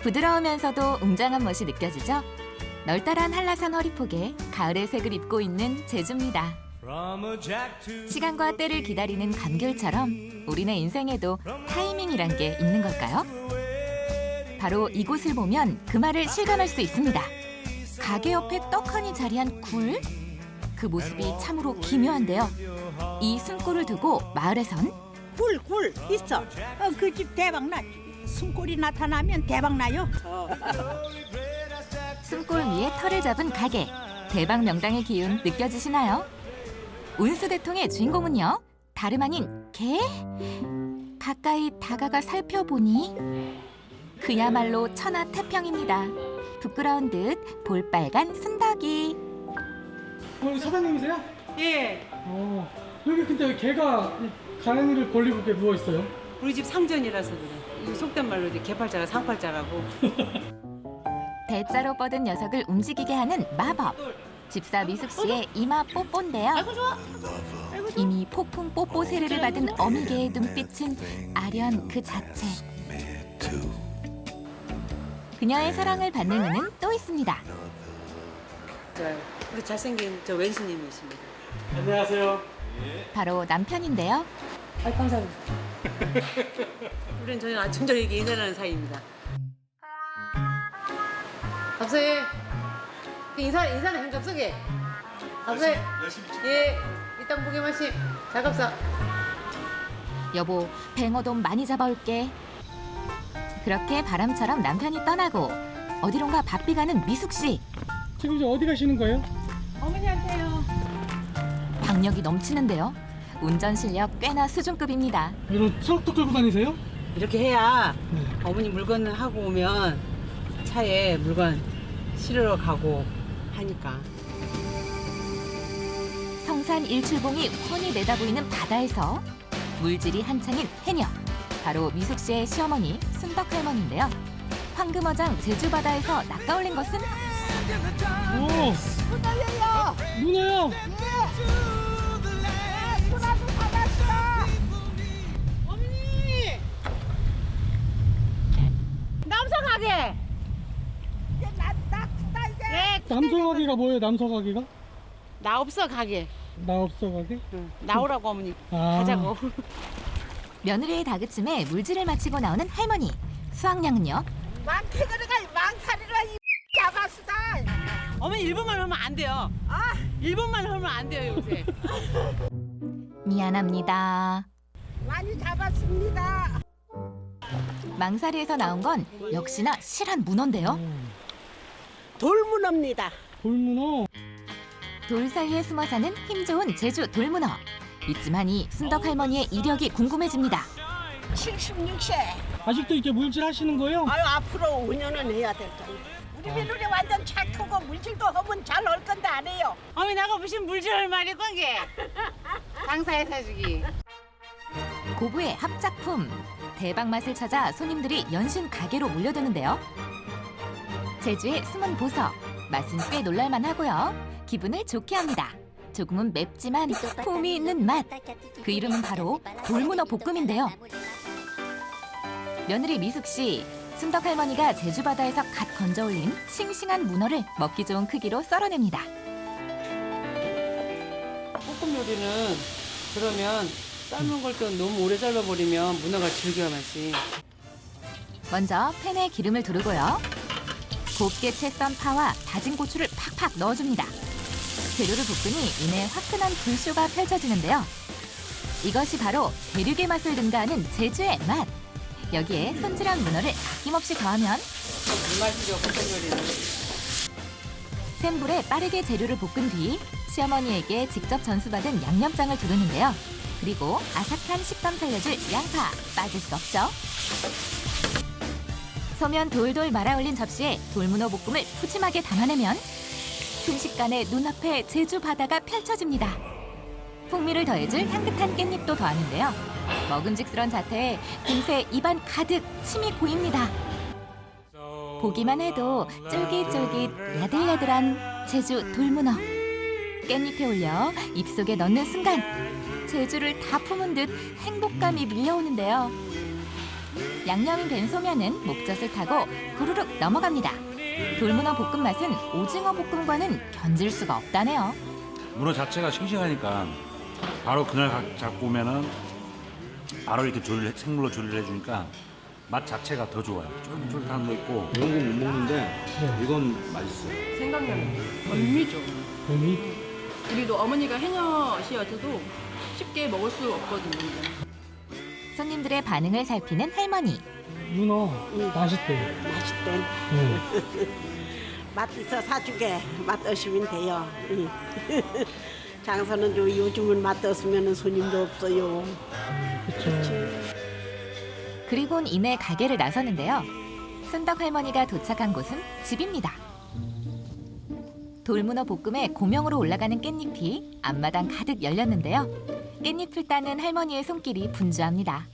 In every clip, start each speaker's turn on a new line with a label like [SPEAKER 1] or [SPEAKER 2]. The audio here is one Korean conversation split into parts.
[SPEAKER 1] 부드러우면서도 웅장한 멋이 느껴지죠? 널따란 한라산 허리폭에 가을의 색을 입고 있는 제주입니다. 시간과 때를 기다리는 감귤처럼 우리네 인생에도 타이밍이란 게 있는 걸까요? 바로 이곳을 보면 그 말을 실감할 수 있습니다. 가게 옆에 떡하니 자리한 굴? 그 모습이 참으로 기묘한데요. 이 숨골을 두고 마을에선
[SPEAKER 2] 굴 있어. 그 집 대박 나. 숨골이 나타나면 대박 나요.
[SPEAKER 1] 숨골 위에 털을 잡은 가게. 대박 명당의 기운 느껴지시나요? 운수대통의 주인공은요. 다름 아닌 개? 가까이 다가가 살펴보니 그야말로 천하태평입니다. 부끄러운 듯 볼빨간 순덕이.
[SPEAKER 3] 사장님이세요?
[SPEAKER 4] 예,
[SPEAKER 3] 여기 근데 왜 개가 가랭이를 벌리고 이렇게 누워 있어요?
[SPEAKER 4] 우리 집 상전이라서 그래. 이 속된 말로 이제 개팔자가 상팔자라고.
[SPEAKER 1] 대자로 뻗은 녀석을 움직이게 하는 마법. 집사 미숙 씨의 이마 뽀뽀인데요. 이미 폭풍 뽀뽀 세례를 받은 어미개의 눈빛은 아련 그 자체. 그녀의 사랑을 받는 이는 또 있습니다.
[SPEAKER 4] 우리 잘생긴 저 왼수님이십니다.
[SPEAKER 3] 안녕하세요.
[SPEAKER 1] 바로 남편인데요.
[SPEAKER 4] 아, 감사합니다. 우리는 저희 아침 저녁에 인사하는 사이입니다. 갑자기 인사는 행갑석에. 갑자기 예, 이땅 보게 마시. 잘 갑사.
[SPEAKER 1] 여보, 뱅어 돈 많이 잡아올게. 그렇게 바람처럼 남편이 떠나고 어디론가 바삐 가는 미숙 씨.
[SPEAKER 3] 지금 이제 어디 가시는 거예요?
[SPEAKER 4] 어머니한테요.
[SPEAKER 1] 박력이 넘치는데요. 운전 실력 꽤나 수준급입니다.
[SPEAKER 3] 이런 트럭도 끌고 다니세요?
[SPEAKER 4] 이렇게 해야
[SPEAKER 3] 네.
[SPEAKER 4] 어머니 물건 하고 오면 차에 물건 실으러 가고 하니까.
[SPEAKER 1] 성산 일출봉이 훤히 내다보이는 바다에서 물질이 한창인 해녀. 바로 미숙 씨의 시어머니 순덕 할머니인데요. 황금어장 제주 바다에서 낚아올린 것은
[SPEAKER 3] 오!
[SPEAKER 2] 문어예요.
[SPEAKER 3] 문어요!
[SPEAKER 2] 문어도 받았어.
[SPEAKER 4] 어머니! 남성하게!
[SPEAKER 2] 나 이제.
[SPEAKER 4] 예,
[SPEAKER 3] 남서가기가 뭐예요, 남서가기가?
[SPEAKER 4] 나 없어 가게.
[SPEAKER 3] 나 없어가기?
[SPEAKER 4] 응. 나오라고 어머니.
[SPEAKER 3] 아.
[SPEAKER 4] 가자고.
[SPEAKER 1] 며느리의 다그침에 물질을 마치고 나오는 할머니. 수확량은요?
[SPEAKER 2] 망태거리가 망사리로 잡았어.
[SPEAKER 4] 어머니 일본말 하면 안 돼요.
[SPEAKER 2] 아,
[SPEAKER 4] 일본말 하면 안 돼요 요새.
[SPEAKER 1] 미안합니다.
[SPEAKER 2] 많이 잡았습니다.
[SPEAKER 1] 망사리에서 나온 건 역시나 실한 문어인데요.
[SPEAKER 2] 돌문어입니다.
[SPEAKER 3] 돌문어?
[SPEAKER 1] 돌 사이에 숨어 사는 힘 좋은 제주 돌문어. 이쯤하니 순덕 할머니의 이력이 궁금해집니다.
[SPEAKER 2] 76세.
[SPEAKER 3] 아직도 이렇게 물질 하시는 거예요?
[SPEAKER 2] 아유, 앞으로 5년은 해야 될 거예요. 우리 며느리 완전 착하고 물질도 하면 잘 올 건데 안 해요.
[SPEAKER 4] 어머니 나가 무슨 물질할 말이 건게. 장사해 사주기.
[SPEAKER 1] 고부의 합작품. 대박 맛을 찾아 손님들이 연신 가게로 몰려드는데요. 제주의 숨은 보석. 맛은 꽤 놀랄만 하고요. 기분을 좋게 합니다. 조금은 맵지만 품이 있는 맛. 그 이름은 바로 돌문어 볶음인데요. 며느리 미숙 씨, 순덕 할머니가 제주 바다에서 갓 건져 올린 싱싱한 문어를 먹기 좋은 크기로 썰어냅니다.
[SPEAKER 4] 볶음 요리는 그러면 삶은 걸 또 너무 오래 삶아버리면 문어가 질겨하지.
[SPEAKER 1] 먼저 팬에 기름을 두르고요. 곱게 채 썬 파와 다진 고추를 팍팍 넣어줍니다. 재료를 볶으니 이내 화끈한 불쇼가 펼쳐지는데요. 이것이 바로 대륙의 맛을 능가하는 제주의 맛. 여기에 손질한 문어를 아낌없이 더하면
[SPEAKER 4] 물맛이죠 볶음 요리는.
[SPEAKER 1] 센 불에 빠르게 재료를 볶은 뒤 시어머니에게 직접 전수받은 양념장을 두르는데요. 그리고 아삭한 식감 살려줄 양파 빠질 수 없죠. 소면 돌돌 말아 올린 접시에 돌문어 볶음을 푸짐하게 담아내면 순식간에 눈앞에 제주 바다가 펼쳐집니다. 풍미를 더해줄 향긋한 깻잎도 더하는데요. 먹음직스런 자태에 금세 입안 가득 침이 고입니다. 보기만 해도 쫄깃쫄깃 야들야들한 제주 돌문어. 깻잎에 올려 입속에 넣는 순간 제주를 다 품은 듯 행복감이 밀려오는데요. 양념인 된 소면은 목젖을 타고 후루룩 넘어갑니다. 돌문어 볶음 맛은 오징어 볶음과는 견질 수가 없다네요.
[SPEAKER 5] 문어 자체가 싱싱하니까 바로 그날 잡고 오면은 바로 이렇게 생물로 조리를 해주니까 맛 자체가 더 좋아요. 쫄깃쫄깃한 거 있고 이런 건 못 먹는데 이건 맛있어요.
[SPEAKER 6] 생강면 별미죠.
[SPEAKER 3] 뱀이
[SPEAKER 6] 우리도 어머니가 해녀시여서도 쉽게 먹을 수 없거든요.
[SPEAKER 1] 손님들의 반응을 살피는 할머니.
[SPEAKER 3] 문어 맛있대요.
[SPEAKER 2] 맛있대.
[SPEAKER 3] 네.
[SPEAKER 2] 맛 있어 사주게 맛 드시면 돼요. 장사는 요즘은 맛 없으면 손님도 없어요.
[SPEAKER 3] 그렇죠.
[SPEAKER 1] 그리곤 이내 가게를 나서는데요. 순덕 할머니가 도착한 곳은 집입니다. 돌문어 볶음에 고명으로 올라가는 깻잎이 앞마당 가득 열렸는데요. 깻잎을 따는 할머니의 손길이 분주합니다.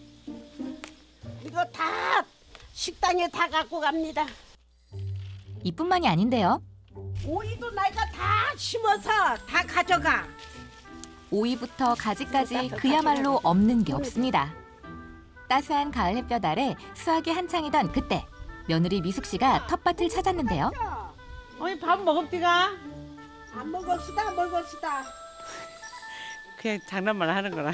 [SPEAKER 2] 이거 다 식당에 다 갖고 갑니다.
[SPEAKER 1] 이뿐만이 아닌데요.
[SPEAKER 2] 오이도 내가 다 심어서 다 가져가.
[SPEAKER 1] 오이부터 가지까지 그야말로 없는 게 없습니다. 따스한 가을 햇볕 아래 수확이 한창이던 그때 며느리 미숙 씨가 텃밭을 찾았는데요.
[SPEAKER 4] 어머니 밥 먹읍디가?
[SPEAKER 2] 안 먹었으다.
[SPEAKER 4] 그냥 장난만 하는 거라.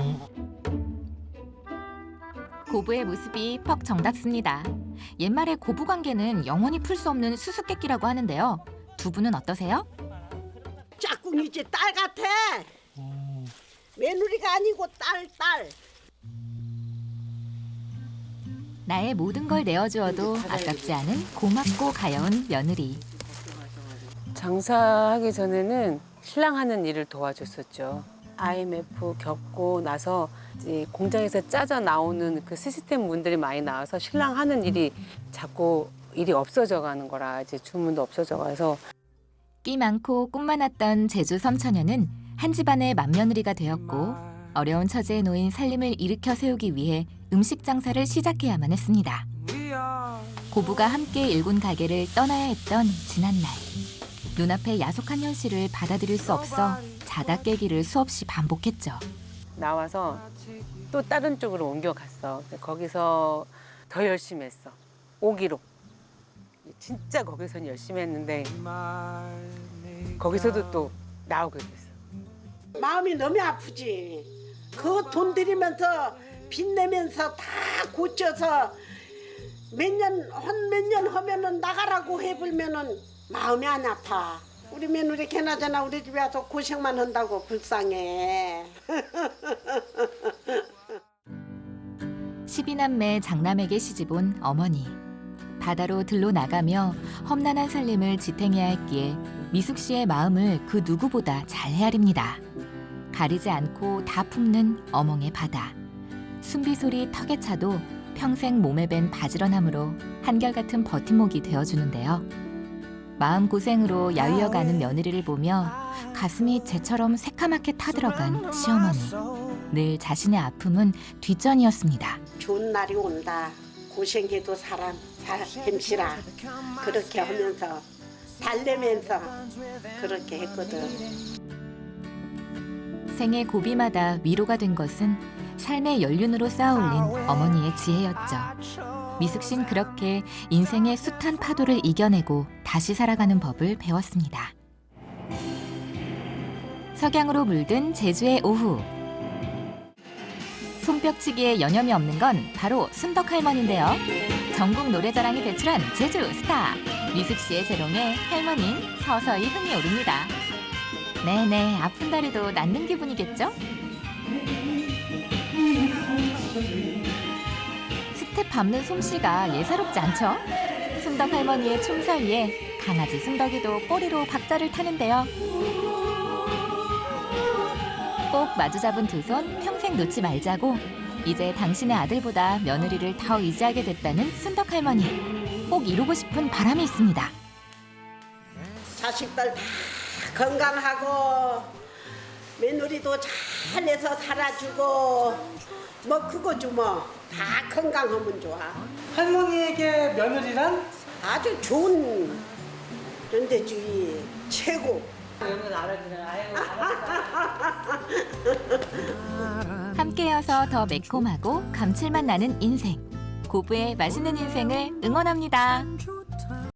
[SPEAKER 1] 고부의 모습이 퍽 정답습니다. 옛말에 고부 관계는 영원히 풀 수 없는 수수께끼라고 하는데요. 두 분은 어떠세요?
[SPEAKER 2] 짝꿍이지 딸 같아. 며느리가 아니고 딸.
[SPEAKER 1] 나의 모든 걸 내어주어도 아깝지 않은 고맙고 가여운 며느리.
[SPEAKER 7] 장사하기 전에는 신랑 하는 일을 도와줬었죠. IMF 겪고 나서 이제 공장에서 짜져 나오는 그 시스템 문들이 많이 나와서 신랑 하는 일이 자꾸 일이 없어져 가는 거라 이제 주문도 없어져 가서
[SPEAKER 1] 끼 많고 꿈 많았던 제주 섬처녀는 한 집안의 맏며느리가 되었고 어려운 처지에 놓인 살림을 일으켜 세우기 위해 음식 장사를 시작해야만 했습니다. 고부가 함께 일군 가게를 떠나야 했던 지난날. 눈앞의 야속한 현실을 받아들일 수 없어 자다 깨기를 수없이 반복했죠.
[SPEAKER 7] 나와서 또 다른 쪽으로 옮겨갔어. 거기서 더 열심히 했어. 5기로. 진짜 거기서는 열심히 했는데 거기서도 또 나오게 됐어.
[SPEAKER 2] 마음이 너무 아프지. 그 돈 들이면서 빚내면서 다 고쳐서 몇 년 하면은 나가라고 해불면은 마음이 안 아파. 우리 며느리 걔나저나 우리 집에 와서 고생만 한다고 불쌍해.
[SPEAKER 1] 12남매 장남에게 시집온 어머니. 바다로 들러 나가며 험난한 살림을 지탱해야 했기에 미숙 씨의 마음을 그 누구보다 잘 헤아립니다. 가리지 않고 다 품는 어멍의 바다. 숨비소리 턱에 차도 평생 몸에 밴 바지런함으로 한결같은 버팀목이 되어주는데요. 마음고생으로 야위어가는 며느리를 보며 가슴이 쟤처럼 새카맣게 타들어간 시어머니. 늘 자신의 아픔은 뒷전이었습니다.
[SPEAKER 2] 좋은 날이 온다. 고생해도 사람 힘시라. 그렇게 하면서 달래면서 그렇게 했거든.
[SPEAKER 1] 생의 고비마다 위로가 된 것은 삶의 연륜으로 쌓아올린 어머니의 지혜였죠. 미숙 씨는 그렇게 인생의 숱한 파도를 이겨내고 다시 살아가는 법을 배웠습니다. 석양으로 물든 제주의 오후. 손뼉치기에 여념이 없는 건 바로 순덕 할머니인데요. 전국 노래자랑이 배출한 제주 스타. 미숙 씨의 재롱에 할머니는 서서히 흥이 오릅니다. 네네, 아픈 다리도 낫는 기분이겠죠? 스텝 밟는 솜씨가 예사롭지 않죠? 순덕 할머니의 춤 사이에 강아지 순덕이도 꼬리로 박자를 타는데요. 꼭 마주잡은 두 손 평생 놓지 말자고 이제 당신의 아들보다 며느리를 더 의지하게 됐다는 순덕 할머니. 꼭 이루고 싶은 바람이 있습니다.
[SPEAKER 2] 자식들 다 건강하고 며느리도 잘해서 살아주고 뭐 그거죠 뭐. 다 건강하면 좋아.
[SPEAKER 3] 할머니에게 며느리란?
[SPEAKER 2] 아주 좋은 연대주의 최고.
[SPEAKER 4] 이런 건 알아주네. 아유, 알았어.
[SPEAKER 1] 함께여서 더 매콤하고 감칠맛 나는 인생. 고부의 맛있는 인생을 응원합니다.